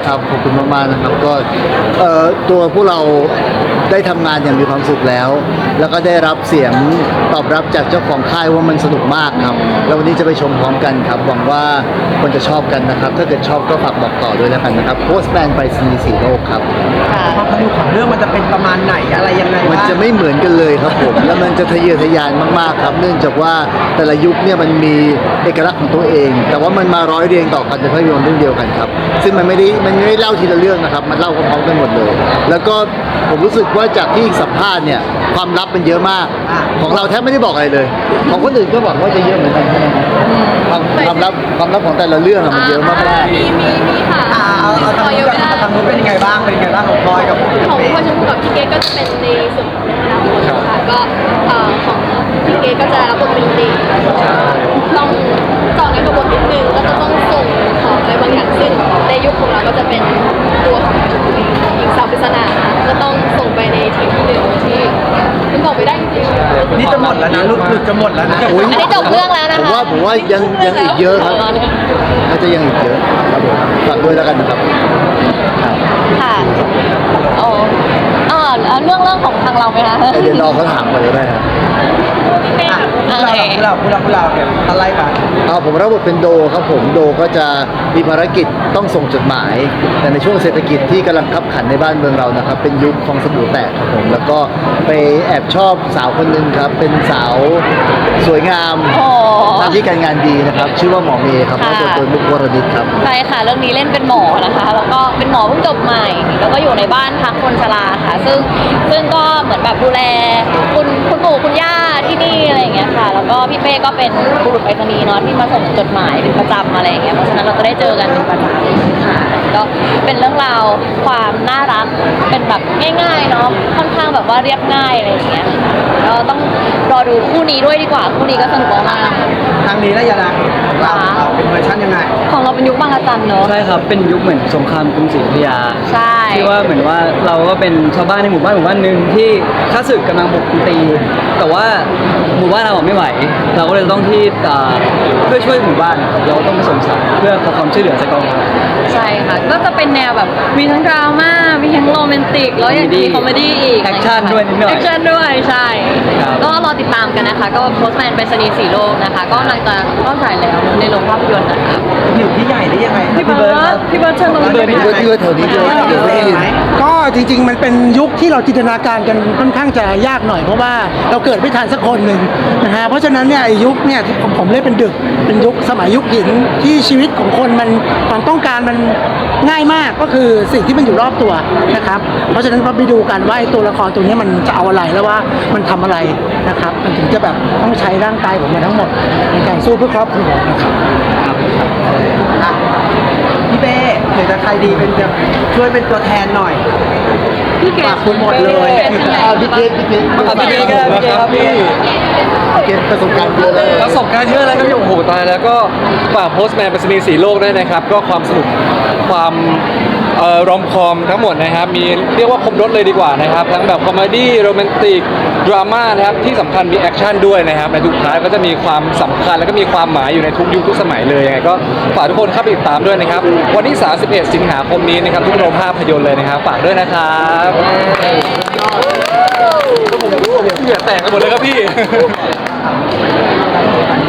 ครับขอบคุณมากๆนะครับก็ตัวพวกเราได้ทำงานอย่างมีความสุขแล้วก็ได้รับเสียงตอบรับจากเจ้าของค่ายว่ามันสนุกมากครับแล้ววันนี้จะไปชมพร้อมกันครับหวังว่าคนจะชอบกันนะครับถ้าเกิดชอบก็ฝากบอกต่อด้วยแล้วกันนะครับโพสต์แมนไปสนีสีโลกครับความสนุกของเรื่องมันจะเป็นประมาณไหนอะไรยังไงมันจะไม่เหมือนกันเลยครับผมแล้วมันจะทะเยอทะยานมากๆครับเนื่องจากว่าแต่ละยุคเนี่ยมันมีเอกลักษณ์ของตัวเองแต่ว่ามันมาร้อยเรียงต่อกันในภาพยนตร์เรื่องเดียวกันครับซึ่งมันไม่ได้เล่าทีละเรื่องนะครับมันเล่าพร้อมๆกันหมดเลยแล้วก็ผมรู้สึกว่าจากที่สัมภาษณ์เนี่ยความลับมันเยอะมากของเราแทบไม่ได้บอกอะไรเลยของคนอื่นก็บอกว่าจะเยอะเหมือนกันใช่ไหมครับความลับของแต่ละเรื่องมันเยอะมากมีค่ะเอาทางนู้นเป็นยังไงบ้างของพลอยกับของพ่อชมพู่กับพี่เก๊ก็จะเป็นในส่วนของอนาคตค่ะก็ของพี่เก๊ก็จะรับบทเป็นตีต้องต่อในกระบวนนิดนึงก็จะต้องส่งของอะไรบางอย่างซึ่งในยุคของเราก็จะเป็นตัวของชมพู่หญิงสาวปริศนาก็ต้องส่งไปในทีมที่หนึ่งที่มันบอกไม่ได้จริงๆนี่จะหมดแล้วนะหลุดจะหมดแล้วนะอันนี้จบเรื่องแล้วนะคะผมว่ายังอีกเยอะครับน่าจะยังอีกเยอะครับผมฝากด้วยแล้วกันนะครับค่ะแล้วเรื่องของทางเราไหมคะเดี๋ยวรอเขาถามก่อนเลยได้ครับพวกเราเนี่ยอะไรกันผมรับบทเป็นโดครับผมโดก็จะมีภารกิจต้องส่งจดหมาย แต่ในช่วงเศรษฐกิจที่กำลังคับขันในบ้านเมืองเรานะครับเป็นยุคฟองสบู่แตกครับผมแล้วก็ไปแอบชอบสาวคนหนึ่งครับเป็นสาวสวยงามหน้าที่การงานดีนะครับชื่อว่าหมอเมย์ครับแล้วโดยมุกวรณิตครับใช่ค่ะเรื่องนี้เล่นเป็นหมอนะคะแล้วก็เป็นหมอเพิ่งจบใหม่แล้วก็อยู่ในบ้านพักคนชราค่ะซึ่งก็เหมือนแบบดูแลคุณปู่คุณย่าที่นี่อะไรอย่างเงี้ยค่ะแล้วก็พี่เป้ก็เป็นบุรุษไปรษณีย์เนาะที่มาส่งจดหมายเป็นประจำอะไรอย่างเงี้ยเพราะฉะนั้นเราจะได้เจอกันเป็นประจำค่ะก็เป็นเรื่องราวความน่ารักเป็นแบบง่ายๆเนาะค่อนข้างแบบว่าเรียบง่ายอะไรอย่างเงี้ยก็ต้องรอดูคู่นี้ด้วยดีกว่าคู่นี้ก็สนุกมากทางนี้แล้วยังเราเป็นเวอร์ชันยังไงของเราเป็นยุคบางระจันเนาะใช่ครับเป็นยุคเหมือนสงครามกรุงศรีอยุธยาใช่ที่ว่าเหมือนว่าเราก็เป็นชาวบ้านในหมู่บ้านหนึ่งที่ข้าศึกกำลังบุกตี แต่ว่าหมู่บ้านเราไม่ไหวเราก็เลยต้องที่เพื่อช่วยหมู่บ้านเราต้องไปส่งสารเพื่อขอความช่วยเหลือจากกองทัพใช่ค่ะก็จะเป็นแนวแบบมีทั้งดราม่ามีทั้งโรแมนติกแล้วยังมีคอมเมดี้อีกแอคชั่นด้วยนิดหน่อยแอคชั่นด้วยใช่ก็รอติดตามกันนะคะก็โพสต์แมนไปรษณีย์สีโลกนะคะก็กำลังจะเข้าฉายแล้วในโรงภาพยนตร์นะคะอยู่ที่ใหญ่ได้ยังไงพี่เบิร์ดเชิญลงพี่เบิร์ดแถวนี้เลยก็จริงๆมันเป็นยุคที่เราจินตนาการกันค่อนข้างจะยากหน่อยเพราะว่าเราเกิดไม่ทันสักคนหนึ่งนะฮะเพราะฉะนั้นเนี่ยยุคเนี่ยที่ผมเล่นเป็นดึกเป็นยุคสมัยยุคหินที่ชีวิตของคนมันความต้องการมันง่ายมากก็คือสิ่งที่มันอยู่รอบตัวนะครับเพราะฉะนั้นเราไปดูกันว่าตัวละครตัวนี้มันจะเอาอะไรแล้วว่ามันทำอะไรนะครับมันถึงจะแบบต้องใช้ร่างกายของมันทั้งหมดในการสู้เพื่อครอบครัวนะครับพี่เป้หรือจะใครดีเป็นช่วยเป็นตัวแทนหน่อยพี่เกศคุณหมดเลยพี่เกศครับพี่ประสบการณ์เยอะเลยแล้วก็โอ้โหตายแล้วก็ฝากโพสต์แมนไปรษณีย์สีโลกด้วยนะครับก็ความสนุกความรอมคอมทั้งหมดนะครับมีเรียกว่าครบรถเลยดีกว่านะครับทั้งแบบคอมเมดี้โรแมนติกดราม่านะครับที่สำคัญมีแอคชั่นด้วยนะครับในทุกท้ายก็จะมีความสำคัญแล้วก็มีความหมายอยู่ในทุกยุคทุกสมัยเลยยังไงก็ฝากทุกคนเข้าไปติดตามด้วยนะครับวันที่31สิงหาคมนี้นะครับทุกโรงภาพยนตร์เลยนะครับฝากด้วยนะครับเหงื่อแตกกันหมดเลยครับพี่